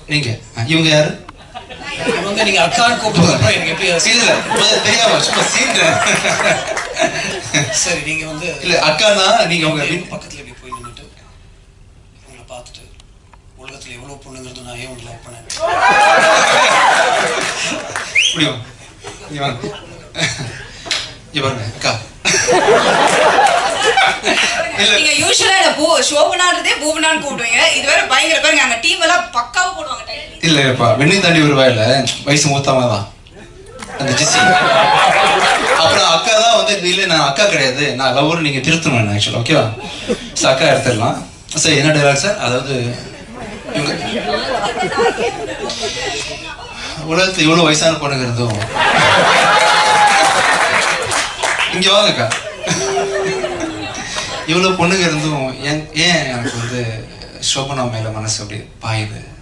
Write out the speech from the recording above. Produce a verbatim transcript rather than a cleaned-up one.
எங்க இவங்க யாரு? இவங்க நீங்க அக்கான்னு கூப்பிட்டு எனக்கு எப்படி இல்ல தெரியாம சும்மா சீன்றேன். சரி நீங்க வந்து இல்ல அக்கானா நீங்க உங்க பக்கத்துல இப்படி போய் நின்றுட்டு உங்களை பார்த்துட்டு உலகத்துல எவ்வளவு பொண்ணுங்கிறது நான் ஏன் லவ் பண்ணேன் முடியும் இவங்க அக்கா நீங்க யூசுவலா இந்த பூ ஷோபனான்றதே பூவனான்னு கூப்பிடுவீங்க. இது வேற பயங்கர பாருங்க அங்க டீம் எல்லாம் பக்காவா போடுவாங்க டைட்டில். இல்லப்பா வெண்ணி தாண்டி ஒரு வாயில வயசு மூத்தவங்க தான் அந்த ஜிசி. அப்புறம் அக்கா தான் வந்து இல்ல நான் அக்கா கிடையாது நான் லவ்வர் நீங்க திருத்தணும் ஆக்சுவலா ஓகேவா? அக்கா எடுத்துடலாம். சார் என்ன டைலாக் சார்? அதாவது இவங்க உலகத்துல இவ்வளவு வயசான பொண்ணுங்க இருந்தும் இங்க வாங்கக்கா இவ்வளவு பொண்ணுங்க இருந்தும் ஏன் ஏன் எனக்கு வந்து சோபனா மேல மனசு அப்படி பாயுது?